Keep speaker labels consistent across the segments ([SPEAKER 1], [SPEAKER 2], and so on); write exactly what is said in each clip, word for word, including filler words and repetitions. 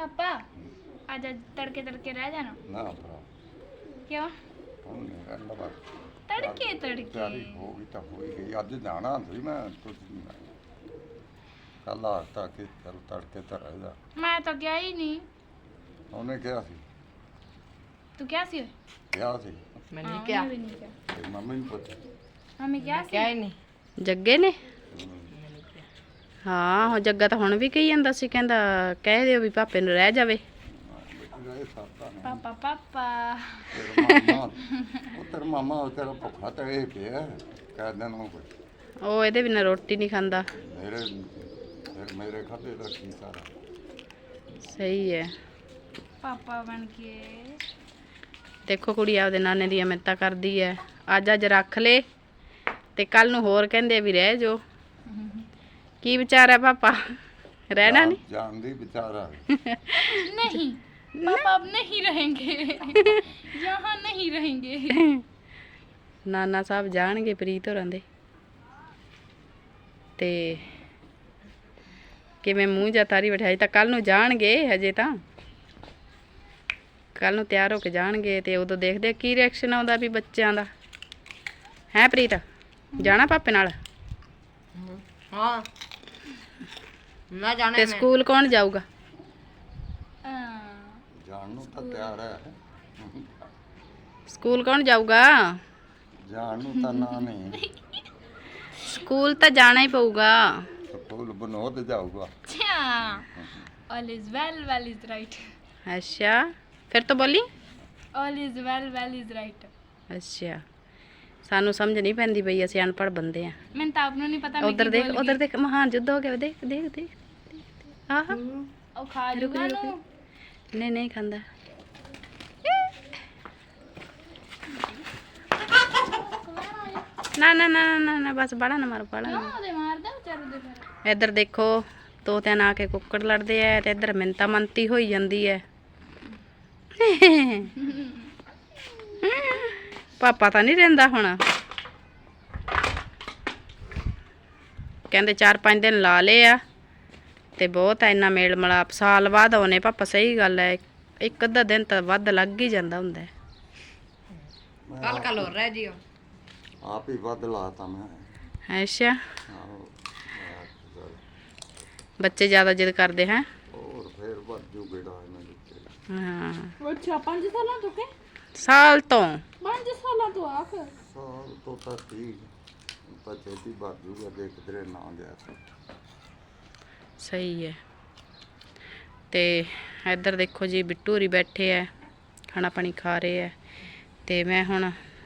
[SPEAKER 1] पापा आज तड़के तड़के रह जाना
[SPEAKER 2] ना भरा
[SPEAKER 1] क्यों
[SPEAKER 2] ਹੁਣ ਨਹੀਂ ਰਹਿਣਾ ਬਸ
[SPEAKER 1] तड़के तड़के
[SPEAKER 2] ਤਿਆਰੀ ਹੋ ਗਈ ਤਾਂ ਹੋ ਹੀ ਗਈ ਅੱਜ ਜਾਣਾ ਸੀ ਮੈਂ ਕੁਝ ਨਹੀਂ ਕੱਲ ਆ ਤਾਂ ਕਿ ਚੱਲ ਤੜਕੇ ਤਾਂ ਰਹਿ ਜਾ
[SPEAKER 1] मैं तो गया ही नहीं
[SPEAKER 2] ਉਹਨੇ ਕਿਹਾ ਸੀ
[SPEAKER 1] तू क्या सी
[SPEAKER 2] ਕਿਹਾ ਸੀ
[SPEAKER 3] मैंने
[SPEAKER 1] हाँ,
[SPEAKER 3] क्या
[SPEAKER 1] उन्हें भी नहीं किया
[SPEAKER 2] ਤੇ ਮੰਮੀ ਨੂੰ ਪੁੱਛ
[SPEAKER 1] मम्मी क्या
[SPEAKER 3] क्या
[SPEAKER 1] सी
[SPEAKER 3] ही नहीं
[SPEAKER 4] ਜੱਗੇ ਨੇ ਹਾਂ ਉਹ ਜੱਗਾ ਤਾਂ ਹੁਣ ਵੀ ਕਹੀ ਜਾਂਦਾ ਸੀ ਕਹਿੰਦਾ ਕਹਿ ਦਿਓ ਵੀ ਪਾਪੇ ਨੂੰ ਰਹਿ ਜਾਵੇ
[SPEAKER 2] ਬੇਟੀ ਰਹੇ ਸਾਤਾ ਨੇ
[SPEAKER 1] पापा पापा
[SPEAKER 2] ਤੇਰਾ ਮਾਮਾ ਉਹ ਤੇਰਾ ਮਾਮਾ ਉਹ ਤੇਰਾ ਭੁੱਖਾ ਤਾਂ ਇਹ ਪਿਆ ਕਹਿ ਦੇਣ ਨੂੰ ਕੁਛ
[SPEAKER 4] ਉਹ ਇਹਦੇ ਬਿਨਾਂ ਰੋਟੀ ਨਹੀਂ ਖਾਂਦਾ
[SPEAKER 2] ਮੇਰੇ ਫਿਰ ਮੇਰੇ ਖਾਤੇ ਦਾ ਕੀ ਸਾਰਾ
[SPEAKER 4] ਸਹੀ ਹੈ
[SPEAKER 1] पापा बन के
[SPEAKER 4] ਦੇਖੋ ਕੁੜੀ ਆਪਦੇ ਨਾਨੇ ਦੀਆਂ ਮਿੰਨਤਾਂ ਕਰਦੀ ਹੈ ਅੱਜ ਅੱਜ ਰੱਖ ਲੇ ਤੇ ਕੱਲ ਨੂੰ ਹੋਰ ਕਹਿੰਦੇ ਵੀ ਰਹਿ ਜੋ ਕੀ ਵਿਚਾਰ ਹੈ ਪਾਪਾ ਰਹਿਣਾ ਨਹੀਂ
[SPEAKER 2] ਜਾਣਦੀ ਵਿਚਾਰਾ
[SPEAKER 1] नहीं पापा अब नहीं रहेंगे यहाँ नहीं रहेंगे
[SPEAKER 4] ਨਾਨਾ ਸਾਹਿਬ ਜਾਣਗੇ ਪ੍ਰੀਤ ਹੋਰਾਂ ਦੇ ਤੇ ਕਿਵੇਂ ਮੂੰਹ ਜਾਂ ਤਾਰੀ ਬਿਠਾਈ ਤਾਂ ਕੱਲ ਨੂੰ ਜਾਣਗੇ ਹਜੇ ਤਾਂ ਕੱਲ ਨੂੰ ਤਿਆਰ ਹੋ ਕੇ ਜਾਣਗੇ ਤੇ ਉਦੋਂ ਦੇਖਦੇ ਆ ਕੀ ਰਿਐਕਸ਼ਨ ਆਉਂਦਾ ਵੀ ਬੱਚਿਆਂ ਦਾ ਹੈ ਪ੍ਰੀਤ ਜਾਣਾ ਪਾਪੇ ਨਾਲ
[SPEAKER 3] हाँ मैं जाना
[SPEAKER 4] ਤੇ
[SPEAKER 3] है मैं
[SPEAKER 4] ਸਕੂਲ ਕੌਣ ਜਾਊਗਾ
[SPEAKER 2] ਜਾਣ ਨੂੰ ਤਾਂ ਤਿਆਰ ਹੈ
[SPEAKER 4] ਸਕੂਲ ਕੌਣ ਜਾਊਗਾ
[SPEAKER 2] ਜਾਣ ਨੂੰ ਤਾਂ ਨਾ ਨਹੀਂ
[SPEAKER 4] ਸਕੂਲ ਤਾਂ ਜਾਣਾ ਹੀ ਪਊਗਾ
[SPEAKER 2] ਸਕੂਲ ਬਨੋਦ ਜਾਊਗਾ
[SPEAKER 1] अच्छा all is well well is right
[SPEAKER 4] ਅੱਛਾ ਫਿਰ ਤੋਂ ਬੋਲੀ
[SPEAKER 1] all is well well is right
[SPEAKER 4] ਅੱਛਾ ਸਾਨੂੰ ਸਮਝ ਨਹੀਂ ਪੈਂਦੀ ਬਈ ਅਸੀਂ ਅਨਪੜ੍ਹ ਬੰਦੇ ਆ
[SPEAKER 1] मैंने तो आपने नहीं पता मैं
[SPEAKER 4] ਉਧਰ
[SPEAKER 1] की
[SPEAKER 4] ਦੇਖ
[SPEAKER 1] बोल
[SPEAKER 4] ਉਧਰ ਦੇਖ ਮਹਾਨ ਯੁੱਧ ਹੋ ਗਿਆ ਦੇਖ ਦੇਖ ਦੇਖ ਆਹ
[SPEAKER 1] गई। ओ खा लूंगा ना
[SPEAKER 4] ਨਹੀਂ ਨਹੀਂ ਖਾਂਦਾ ਨਾ ਨਾ ਨਾ ਨਾ ਨਾ ਬਸ ਬੜਾ ਨਾ ਮਾਰ ਬੜਾ ਨਾ
[SPEAKER 1] ना दे मार दे बेचारे दे फिर
[SPEAKER 4] ਇੱਧਰ ਦੇਖੋ ਤੋਤਿਆਂ ਨਾਲ ਆ ਕੇ ਕੁੱਕੜ ਲੜਦੇ ਐ ਤੇ ਇੱਧਰ ਮਿੰਤਾ ਮੰਤੀ ਹੋਈ ਜਾਂਦੀ ਐ ਪਾਪਾ ਤਾਂ ਨਹੀਂ ਰਹਿੰਦਾ ਹੁਣ ਕਹਿੰਦੇ ਚਾਰ ਪੰਜ ਦਿਨ ਲਾ ਲਏ ਆ ਤੇ ਬਹੁਤ ਐ ਇੰਨਾ ਮੇਲ ਮਲਾਪ ਸਾਲ ਬਾਅਦ ਆਉਨੇ ਪਾਪਾ ਸਹੀ ਗੱਲ ਐ ਇੱਕ ਅੱਧਾ ਦਿਨ ਤਾਂ ਵੱਧ ਲੱਗ ਹੀ ਜਾਂਦਾ ਹੁੰਦਾ ਹੈ।
[SPEAKER 3] कल कल हो रहा है जियो
[SPEAKER 2] ਆਪ ਹੀ ਵੱਧ ਲਾਤਾ ਮੈਂ
[SPEAKER 4] ਅੱਛਾ
[SPEAKER 2] ਆਹੋ,
[SPEAKER 4] ਬੱਚੇ ਜ਼ਿਆਦਾ ਜਿੱਦ ਕਰਦੇ ਹੈ
[SPEAKER 2] ਹੋਰ ਫੇਰ ਵੱਧ ਜੂ ਬੇੜਾ ਇਹਨਾਂ ਦੇ
[SPEAKER 4] ਹਾਂ
[SPEAKER 1] अच्छा पांच साल तो के
[SPEAKER 4] ਸਾਲ ਤੋਂ
[SPEAKER 1] पांच साल तो आख
[SPEAKER 2] ਸਾਲ ਤੋਂ ਤਾਂ ਠੀਕ ਤਾਂ ਛੇਤੀ ਵੱਧ ਜੂਗਾ ਜੇ ਕਿਧਰੇ ਨਾ ਗਿਆ ਤਾਂ
[SPEAKER 4] ਸਹੀ ਹੈ ਤੇ ਇੱਧਰ ਦੇਖੋ ਜੀ ਬਿੱਟੂ ਹੋਰੀ ਬੈਠੇ ਐ ਖਾਣਾ ਪਾਣੀ ਖਾ ਰਹੇ ਐ ਤੇ ਮੈਂ ਹੁਣ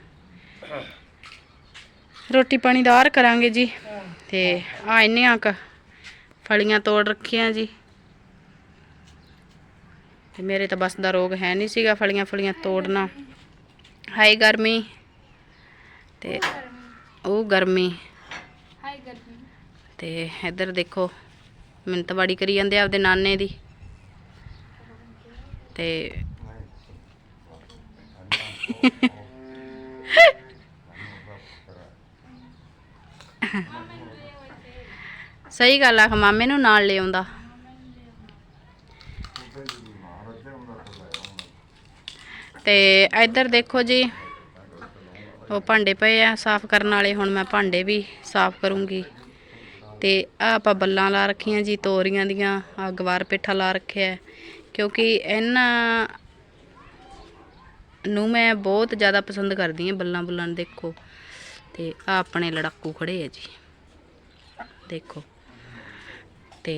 [SPEAKER 4] ਰੋਟੀ ਪਾਣੀ ਦਾ ਆਰ ਕਰਾਂਗੇ ਜੀ ਤੇ ਆ ਇੰਨੀਆਂ ਕ ਫਲੀਆਂ ਤੋੜ ਰੱਖੀਆਂ ਜੀ ਤੇ ਮੇਰੇ ਤਾਂ ਬਸ ਦਾ ਰੋਗ ਹੈ ਨਹੀਂ ਸੀਗਾ ਫਲੀਆਂ ਫਲੀਆਂ ਤੋੜਨਾ ਹਾਈ ਗਰਮੀ ਤੇ ਉਹ ਗਰਮੀ
[SPEAKER 1] हाय गर्मी
[SPEAKER 4] ਤੇ ਇੱਧਰ ਦੇਖੋ ਮਿੰਤਵਾੜੀ ਕਰੀ ਜਾਂਦੇ ਆ ਆਪਦੇ ਨਾਨੇ ਦੀ ਤੇ ਸਹੀ ਗੱਲ ਆ ਮਾਮੇ ਨੂੰ ਨਾਲ ਲੈ ਆਉਂਦਾ ਤੇ ਇੱਧਰ ਦੇਖੋ ਜੀ ਉਹ ਭਾਂਡੇ ਪਏ ਆ ਸਾਫ਼ ਕਰਨ ਵਾਲੇ ਹੁਣ ਮੈਂ ਭਾਂਡੇ ਵੀ ਸਾਫ਼ ਕਰੂੰਗੀ ਤੇ ਆ ਆਪਾਂ ਬੱਲਾਂ ਲਾ ਰੱਖੀਆਂ ਜੀ ਤੋਰੀਆਂ ਦੀਆਂ ਆ ਗਵਾਰ ਪੇਠਾ ਲਾ ਰੱਖਿਆ ਹੈ, ਕਿਉਂਕਿ ਇਹਨਾਂ ਨੂੰ ਮੈਂ ਬਹੁਤ ਜ਼ਿਆਦਾ ਪਸੰਦ ਕਰਦੀ ਹਾਂ ਬੱਲਾਂ ਬੁੱਲਾਂ ਨੂੰ ਦੇਖੋ ਤੇ ਆ ਆਪਣੇ ਲੜਾਕੂ ਖੜੇ ਆ ਜੀ ਦੇਖੋ ਤੇ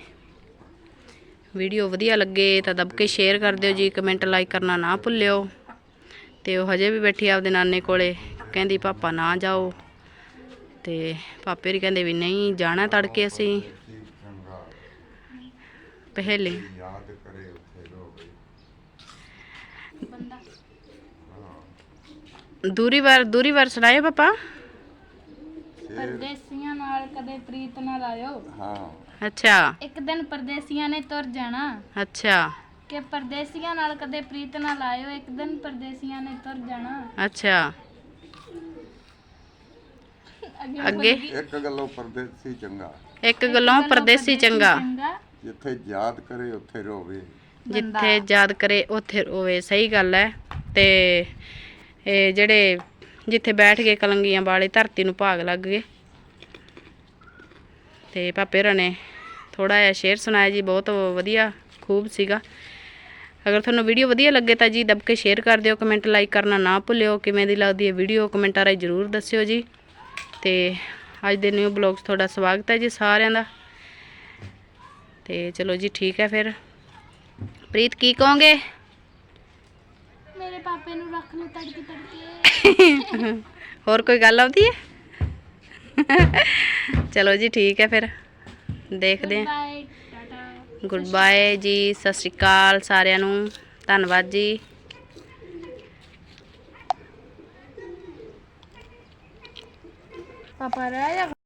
[SPEAKER 4] ਵੀਡੀਓ ਵਧੀਆ ਲੱਗੇ ਤਾਂ ਦਬ ਕੇ ਸ਼ੇਅਰ ਕਰ ਦਿਓ ਜੀ ਕਮੈਂਟ ਲਾਈਕ ਕਰਨਾ ਨਾ ਭੁੱਲਿਓ ਤੇ ਉਹ ਹਜੇ ਵੀ ਬੈਠੀ ਆਪਦੇ ਨਾਨੇ ਕੋਲੇ ਕਹਿੰਦੀ ਪਾਪਾ ਨਾ ਜਾਓ ਤੇ ਪਾਪੇ ਵੀ ਕਹਿੰਦੇ ਵੀ ਨਹੀਂ ਜਾਣਾ ਤੜਕੇ ਅਸੀਂ
[SPEAKER 2] ਚੰਗਾ
[SPEAKER 4] ਪਹਿਲੇ
[SPEAKER 2] ਯਾਦ ਕਰੇ ਉੱਥੇ ਲੋਕ
[SPEAKER 1] बंदा
[SPEAKER 4] ਦੂਰੀ ਵਾਰ ਦੂਰੀ ਵਾਰ ਸੁਣਾਏ ਪਾਪਾ
[SPEAKER 1] परदेसियां नाल कदे प्रीत ना लायो
[SPEAKER 2] ਹਾਂ
[SPEAKER 4] ਅੱਛਾ
[SPEAKER 1] एक दिन परदेसियां ने तुर जाना
[SPEAKER 4] ਅੱਛਾ
[SPEAKER 1] कि परदेसियां नाल कदे प्रीत ना लायो एक दिन परदेसियां ने तुर जाना
[SPEAKER 4] ਅੱਛਾ
[SPEAKER 1] अगे
[SPEAKER 4] ਅੱਗੇ
[SPEAKER 2] ਇੱਕ ਗੱਲੋਂ ਪਰਦੇਸੀ ਚੰਗਾ
[SPEAKER 4] ਇੱਕ ਗੱਲੋਂ ਪਰਦੇਸੀ ਚੰਗਾ
[SPEAKER 1] चंगा
[SPEAKER 2] ਜਿੱਥੇ ਯਾਦ ਕਰੇ ਉੱਥੇ ਰੋਵੇ।
[SPEAKER 4] ਜਿੱਥੇ ਯਾਦ ਕਰੇ ਉੱਥੇ ਰੋਵੇ, ਸਹੀ ਗੱਲ ਹੈ। ਤੇ ਇਹ ਜਿਹੜੇ ਜਿੱਥੇ ਬੈਠ ਗਏ ਕਲੰਗੀਆਂ ਵਾਲੇ ਧਰਤੀ ਨੂੰ ਭਾਗ ਲੱਗ ਗਏ। ਤੇ ਪਾਪੇ ਹੋਰਾਂ ਨੇ ਥੋੜਾ ਜਿਹਾ ਸ਼ੇਰ ਸੁਣਾਇਆ ਜੀ, ਬਹੁਤ ਵਧੀਆ ਖੂਬ ਸੀਗਾ। ਅਗਰ ਤੁਹਾਨੂੰ ਵੀਡੀਓ ਵਧੀਆ ਲੱਗੇ ਤਾਂ ਜੀ ਦਬ ਕੇ ਸ਼ੇਅਰ ਕਰ ਦਿਓ, ਕਮੈਂਟ ਲਾਈਕ ਕਰਨਾ ਨਾ ਭੁੱਲਿਓ। ਕਿਵੇਂ ਦੀ ਲੱਗਦੀ ਹੈ ਵੀਡੀਓ ਕਮੈਂਟਾਂ ਰਾਹੀਂ ਜ਼ਰੂਰ ਦੱਸਿਓ ਜੀ। ਤੇ ਅੱਜ ਦੇ ਨਿਊ ਬਲੌਗਸ ਤੁਹਾਡਾ ਸਵਾਗਤ ਹੈ ਜੀ ਸਾਰਿਆਂ ਦਾ। ਤੇ ਚਲੋ ਜੀ ਠੀਕ ਹੈ ਫਿਰ। ਪ੍ਰੀਤ ਕੀ ਕਹੋਗੇ?
[SPEAKER 1] ਮੇਰੇ ਪਾਪੇ ਨੂੰ ਰੱਖ ਲਓ ਤੜਕੇ ਤੜਕੇ।
[SPEAKER 4] ਹੋਰ ਕੋਈ ਗੱਲ ਆਉਂਦੀ ਹੈ? ਚਲੋ ਜੀ ਠੀਕ ਹੈ ਫਿਰ, ਦੇਖਦੇ ਹਾਂ।
[SPEAKER 1] ਬਾਏ ਟਾਟਾ।
[SPEAKER 4] ਗੁੱਡ ਬਾਏ ਜੀ, ਸਤਿ ਸ਼੍ਰੀ ਅਕਾਲ ਸਾਰਿਆਂ ਨੂੰ, ਧੰਨਵਾਦ ਜੀ।
[SPEAKER 1] ਪਾਪਾ ਰਹਿ ਜਾ।